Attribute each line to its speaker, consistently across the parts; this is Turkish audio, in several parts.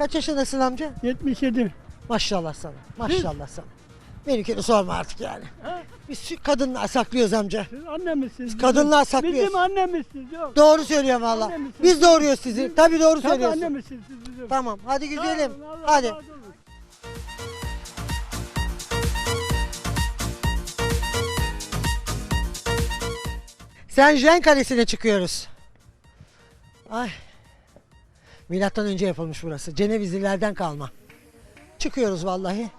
Speaker 1: Kaç yaşındasın amca?
Speaker 2: 77.
Speaker 1: Maşallah sana. Maşallah sana. Benimkini sorma artık yani.
Speaker 2: Ha?
Speaker 1: Biz kadınlar saklıyoruz amca.
Speaker 2: Siz annemizsiniz.
Speaker 1: Kadınlar saklıyoruz.
Speaker 2: Bizim annemizsiniz. Yok.
Speaker 1: Doğru söylüyorum valla.
Speaker 2: Annemizsiniz.
Speaker 1: Biz doğuruyoruz sizi. Tabii doğru
Speaker 2: Tabii
Speaker 1: söylüyorsun.
Speaker 2: annemizsiniz siz bizim.
Speaker 1: Tamam hadi gidelim.
Speaker 2: Sağ olun, Allah
Speaker 1: Hadi.
Speaker 2: razı olsun.
Speaker 1: Saint-Jean Kalesi'ne çıkıyoruz. Ay. Milattan önce yapılmış burası. Cenevizlilerden kalma. Çıkıyoruz vallahi.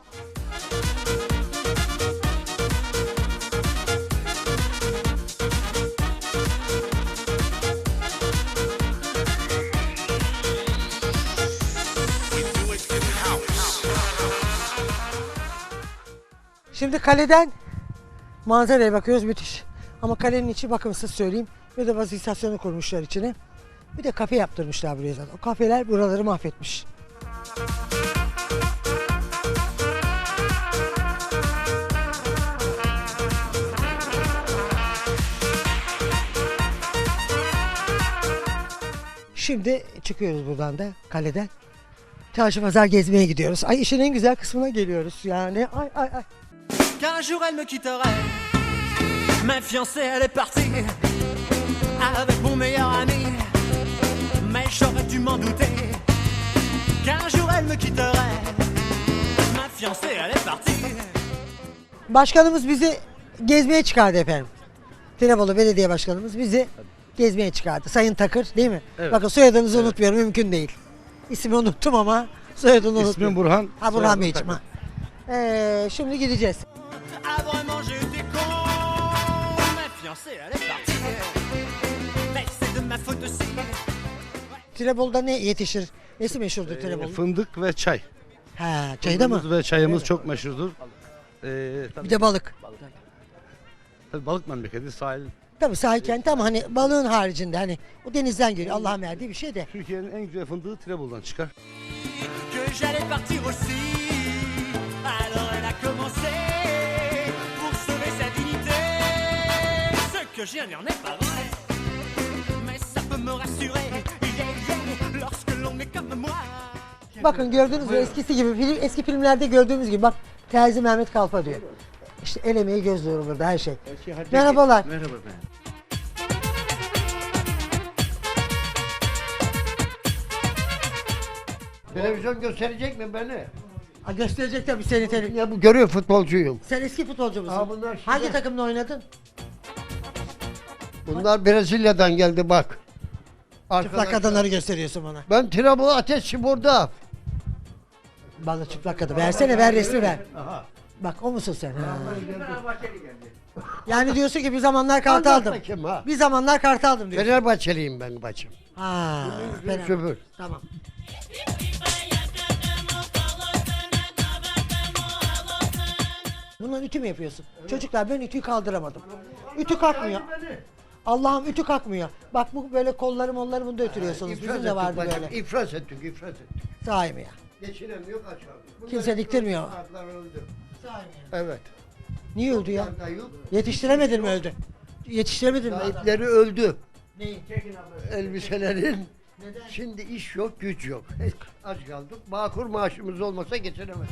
Speaker 1: Şimdi kaleden manzaraya bakıyoruz, müthiş. Ama kalenin içi bakımsız söyleyeyim. Bir de bazı istasyonu kurmuşlar içine. Bir de kafe yaptırmışlar buraya zaten. O kafeler buraları mahvetmiş. Şimdi çıkıyoruz buradan da kaleden. Çarşı pazar gezmeye gidiyoruz. Ay işin en güzel kısmına geliyoruz yani. Ay ay ay.
Speaker 3: Qu'un jour elle me quitterait. Ma fiancée elle est partie avec mon meilleur ami. Mais j'aurais dû m'en douter qu'un jour elle me quitterait. Ma fiancée elle est partie.
Speaker 1: Başkanımız bizi gezmeye çıkardı efendim. Tinebolu Belediye Başkanımız bizi gezmeye çıkardı. Sayın Takır değil mi?
Speaker 4: Evet.
Speaker 1: Bakın soyadınızı unutmuyorum, mümkün değil. İsmi unuttum ama soyadını unutmuyorum.
Speaker 4: İsmim Burhan.
Speaker 1: Ha Burhan
Speaker 4: soyadım
Speaker 1: Beyciğim.
Speaker 4: Takır.
Speaker 1: Ha. Şimdi gideceğiz.
Speaker 3: Ah vraiment j'étais con. Ma fiancée elle est partie. Mais c'est de ma faute aussi.
Speaker 1: Tinebolu'da ne yetişir? Nesi meşhurdur Tinebolu?
Speaker 4: Fındık ve çay.
Speaker 1: Ha, çayda mı?
Speaker 4: Fındığımız ve çayımız çok meşhurdur.
Speaker 1: Bir de balık.
Speaker 4: Tabii balık memleketi, sahil.
Speaker 1: Tabii sahil kenti ama hani balığın haricinde hani o denizden geliyor. Allah'ın verdiği bir şey de.
Speaker 4: Türkiye'nin en güzel fındığı Tinebolu'dan çıkar.
Speaker 3: Que j'allais partir aussi. Alors elle a commencé pour sauver sa dignité. Ce que j'ai n'en est pas vrai. Mais ça peut me rassurer. Yeah, yeah, lorsque l'on est comme moi.
Speaker 1: Bakın gördüğünüz gibi eskisi gibi eski filmlerde gördüğümüz gibi bak Terzi Mehmet Kalfa diyor. İşte el emeği göz nuru burada her şey. Merhabalar.
Speaker 4: Merhaba efendim.
Speaker 5: Televizyon gösterecek mi beni?
Speaker 1: Ha, gösterecek tabii seni televizyon.
Speaker 5: Ya bu görüyor futbolcuyum.
Speaker 1: Sen eski futbolcu musun?
Speaker 5: Ha, bunlar şimdi-
Speaker 1: Hangi takımda oynadın?
Speaker 5: Bunlar Brezilya'dan geldi bak.
Speaker 1: Çıplak
Speaker 5: Arkadaşlar.
Speaker 1: kadınları gösteriyorsun bana.
Speaker 5: Ben Tinebolu Ateşspor'da.
Speaker 1: Bana çıplak kadın. Versene ver resmi ver. Bak o musun sen? Ha. Yani diyorsun ki bir zamanlar kartaldım.
Speaker 5: Anlat bakayım ha.
Speaker 1: Bir zamanlar kartaldım diyorsun.
Speaker 5: Fenerbahçeliyim ben bacım.
Speaker 1: Ha. Fena.
Speaker 5: Şoför.
Speaker 1: Tamam. Bundan ütü mü yapıyorsun? Çocuklar ben ütüyü kaldıramadım. Ütü kalkmıyor. Allah'ım ütü kalkmıyor. Bak bu böyle kolları molları bunda ötürüyorsunuz. Bizim de vardı
Speaker 5: bacım.
Speaker 1: böyle.
Speaker 5: İflas ettik, iflas ettik.
Speaker 1: Sahi mi ya?
Speaker 5: Geçiremiyor aşağı.
Speaker 1: Kimse diktirmiyor.
Speaker 5: Bunlar öldü.
Speaker 1: Sahi mi ya?
Speaker 5: Evet.
Speaker 1: Niye öldü ya?
Speaker 5: Bunlar da yok.
Speaker 1: Yetiştiremedin mi öldü? Yetiştiremedin mi?
Speaker 5: Sahipleri öldü.
Speaker 1: Neyi?
Speaker 5: Elbiselerin.
Speaker 1: Neden?
Speaker 5: Şimdi iş yok, güç yok. Aç kaldık. Bağkur maaşımız olmasa geçinemez.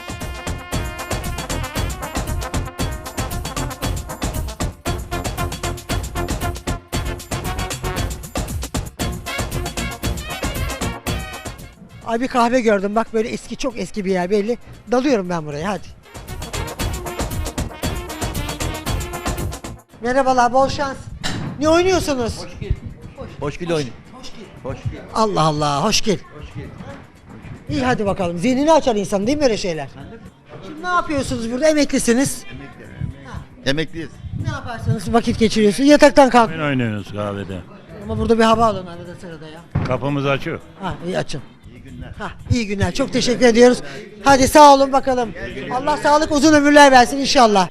Speaker 1: Ay bir kahve gördüm bak böyle eski çok eski bir yer belli. Dalıyorum ben buraya hadi. Merhabalar bol şans. Ne oynuyorsunuz?
Speaker 6: Hoş gel oyun.
Speaker 1: Allah Allah hoş gel. İyi hadi bakalım. Zihnini açar insan değil mi böyle şeyler? Şimdi ne yapıyorsunuz burada? Emeklisiniz.
Speaker 6: Emekliyiz.
Speaker 1: Ne yaparsınız? Vakit geçiriyorsunuz. Yataktan kalk.
Speaker 7: Oyun oynuyoruz kahvede.
Speaker 1: Ama burada bir hava alın arada sırada ya.
Speaker 7: Kapımız açık.
Speaker 1: Ha iyi açın. Ha, iyi günler. Çok teşekkür ediyoruz. Hadi sağ olun bakalım. Allah sağlık uzun ömürler versin inşallah.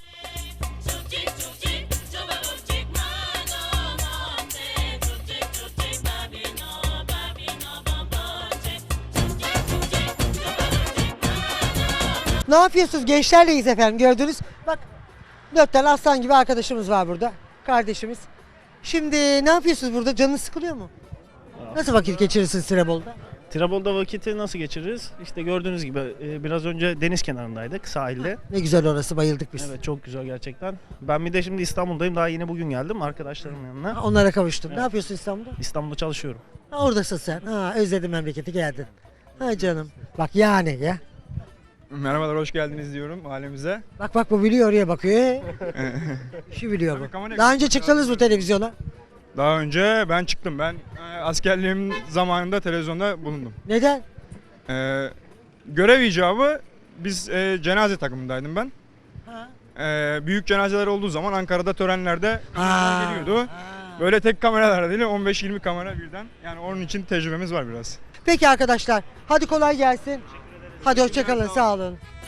Speaker 1: Ne yapıyorsunuz? Gençlerleyiz efendim gördünüz. Bak 4 tane aslan gibi arkadaşımız var burada. Kardeşimiz. Şimdi ne yapıyorsunuz burada? Canınız sıkılıyor mu? Nasıl vakit geçirirsiniz Tinebolu'da?
Speaker 8: Tirebol'da vakiti nasıl geçiririz? İşte gördüğünüz gibi biraz önce deniz kenarındaydık, sahilde.
Speaker 1: Ne güzel orası, bayıldık biz.
Speaker 8: Evet, çok güzel gerçekten. Ben bir de şimdi İstanbul'dayım. Daha yeni bugün geldim arkadaşlarımın yanına.
Speaker 1: Ha, onlara kavuştun. Ne
Speaker 8: Evet.
Speaker 1: yapıyorsun İstanbul'da?
Speaker 8: İstanbul'da çalışıyorum.
Speaker 1: Ha, oradasın sen. Ha, özledim memleketi, geldin. Ha canım. Bak yani ya.
Speaker 9: Merhabalar, hoş geldiniz diyorum ailemize.
Speaker 1: Bak bu biliyor, oraya bakıyor. Şu biliyor
Speaker 9: Tabii,
Speaker 1: bu.
Speaker 9: kamera
Speaker 1: Daha önce
Speaker 9: yakın.
Speaker 1: çıktınız mı televizyona?
Speaker 9: Daha önce ben çıktım. Ben askerliğim zamanında televizyonda bulundum.
Speaker 1: Neden?
Speaker 9: Görev icabı biz cenaze takımındaydım ben.
Speaker 1: Ha.
Speaker 9: Büyük cenazeler olduğu zaman Ankara'da törenlerde
Speaker 1: Ha.
Speaker 9: geliyordu. Böyle tek kameralar değil, 15-20 kamera birden. Yani onun için tecrübemiz var biraz.
Speaker 1: Peki arkadaşlar, hadi kolay gelsin. Hadi hoşça kalın, sağ olun.